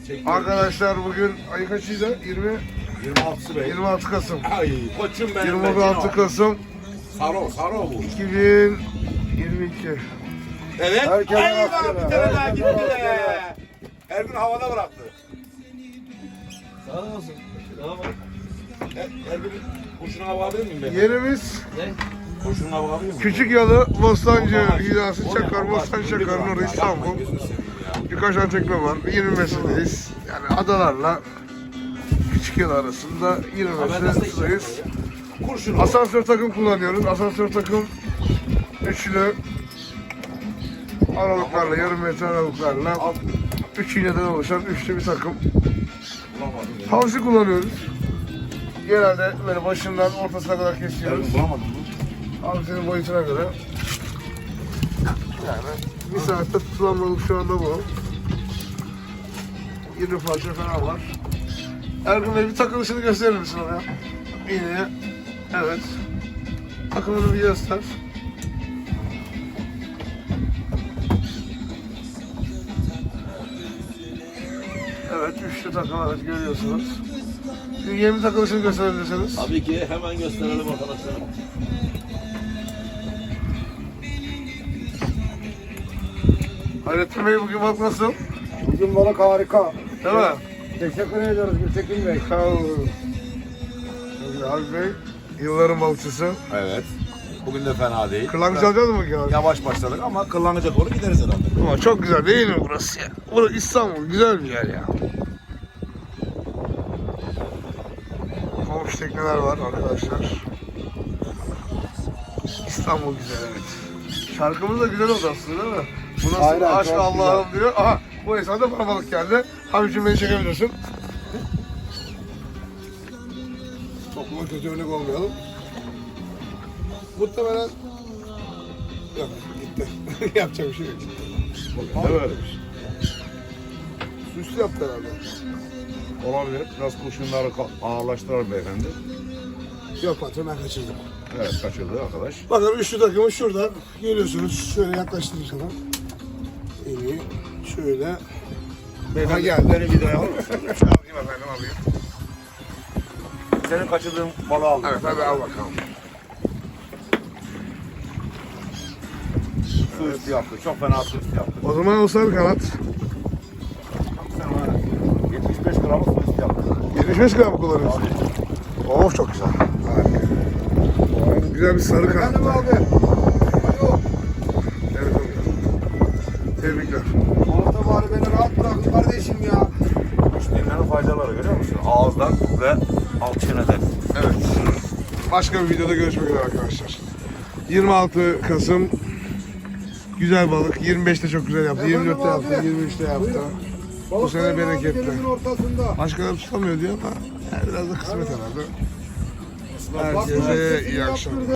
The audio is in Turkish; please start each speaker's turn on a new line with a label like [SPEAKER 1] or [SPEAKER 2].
[SPEAKER 1] Arkadaşlar bugün ay kaçıydı?
[SPEAKER 2] 26'sı be.
[SPEAKER 1] 26 Kasım.
[SPEAKER 2] Ay koçum benim.
[SPEAKER 1] 26 Kasım
[SPEAKER 2] Saro bu.
[SPEAKER 1] 2022.
[SPEAKER 2] Evet.
[SPEAKER 1] Herkese
[SPEAKER 2] Ay
[SPEAKER 1] rastgele,
[SPEAKER 2] bak bir tane daha
[SPEAKER 1] herkese
[SPEAKER 2] gitti
[SPEAKER 1] rastgele.
[SPEAKER 2] de. Ergün havada bıraktı.
[SPEAKER 3] Sağ olasın. Tamam.
[SPEAKER 2] Ergün kurşunu hava alabilir miyim ben?
[SPEAKER 1] Yerimiz
[SPEAKER 2] Kurşunu hava alabilir miyim?
[SPEAKER 1] Küçük Yalı, Bostancı, Hidası, Çakar, Bostancı, Çakar'ın orası İstanbul. Birkaç tane tekne var. 25'indeyiz. Yani adalarla Küçük Yalı arasında 25'indeyiz.
[SPEAKER 2] Kurşunu.
[SPEAKER 1] Asansör takım kullanıyoruz. Asansör takım üçlü aralıklarla, yarım metre aralıklarla 3 iğneden oluşan üçlü bir takım. Havsi kullanıyoruz. Genelde böyle başından ortasına kadar kesiyoruz.
[SPEAKER 2] Ergün bulamadım mı?
[SPEAKER 1] Havsinin boyutuna göre. Yani bir saatte tutulan balık şu anda bu. 20 parça falan var. Ergun Bey bir takılışını gösterir misin oraya? İğneye. Evet. Takımını bir göster. Evet, üçlü takım evet görüyorsunuz. Şimdi yeni takılışını gösterebilirsiniz.
[SPEAKER 3] Tabii ki hemen gösterelim arkadaşlar.
[SPEAKER 1] Hayrettin Bey bugün bak nasıl?
[SPEAKER 4] Bugün balık harika.
[SPEAKER 1] Değil mi?
[SPEAKER 4] Teşekkür ediyoruz Gültekin Bey.
[SPEAKER 1] Sağ olun. Abi Bey, yılların balıkçısı.
[SPEAKER 2] Evet. Bugün de fena değil.
[SPEAKER 1] Kırlangıç alacağız mı ki abi?
[SPEAKER 2] Yavaş başladık ama kırlangıca doğru gideriz herhalde.
[SPEAKER 1] Ama çok güzel değil mi burası ya? Burası İstanbul, güzel bir yer ya. Komşu tekneler var arkadaşlar. İstanbul güzel evet. Şarkımız da güzel oldu aslında değil mi? Bu nasıl
[SPEAKER 4] Aynen,
[SPEAKER 1] aşk
[SPEAKER 4] çok
[SPEAKER 1] Allah'ım diyor. Aha bu esnada bana balık geldi. Abicim beni çekebilirsin. Topluma kötü örnek olmayalım. Muhtemelen yok gitti. Yapacak bir şey yok.
[SPEAKER 2] Evet.
[SPEAKER 1] Süslü yaptı herhalde.
[SPEAKER 2] Olabilir. Biraz kurşunları ağırlaştırar beyefendi.
[SPEAKER 1] Yok patron ben kaçırdım.
[SPEAKER 2] Evet kaçırdı arkadaş.
[SPEAKER 1] Bakın üçlü takımı şuradan görüyorsunuz. Şöyle yaklaştırayım sana. İyi. Şöyle.
[SPEAKER 2] Beyefendi geldi. Beni videoya alır mısın?
[SPEAKER 1] Alayım efendim alayım.
[SPEAKER 2] Senin kaçırdığın balığı aldım.
[SPEAKER 1] Evet hadi al bakalım.
[SPEAKER 2] Su üstü yaptı. Çok fena su üstü yaptı.
[SPEAKER 1] O zaman o sarı kanat.
[SPEAKER 2] Sen var ya, 75 gramlık su üstü yaptı.
[SPEAKER 1] 75 gram kullanıyorsun. Of çok güzel. Harika. Güzel bir sarı kanat.
[SPEAKER 4] Efendim abi. Alo.
[SPEAKER 1] Evet abi. Tebrikler.
[SPEAKER 4] Orta bari beni rahat bırakın kardeşim ya.
[SPEAKER 2] Müşterilerin faydaları görüyor musun? Ağızdan ve alt çeneden.
[SPEAKER 1] Evet. Başka bir videoda görüşmek üzere arkadaşlar. 26 Kasım güzel balık. 25'te çok güzel yaptı. 24'te yaptı. 23'te yaptı. Bu sene
[SPEAKER 4] Balıkların ağzı
[SPEAKER 1] bereketli.
[SPEAKER 4] denizin ortasında.
[SPEAKER 1] Başkaları tutamıyor diyor ama yani biraz da kısmet herhalde. Herkese iyi akşamlar.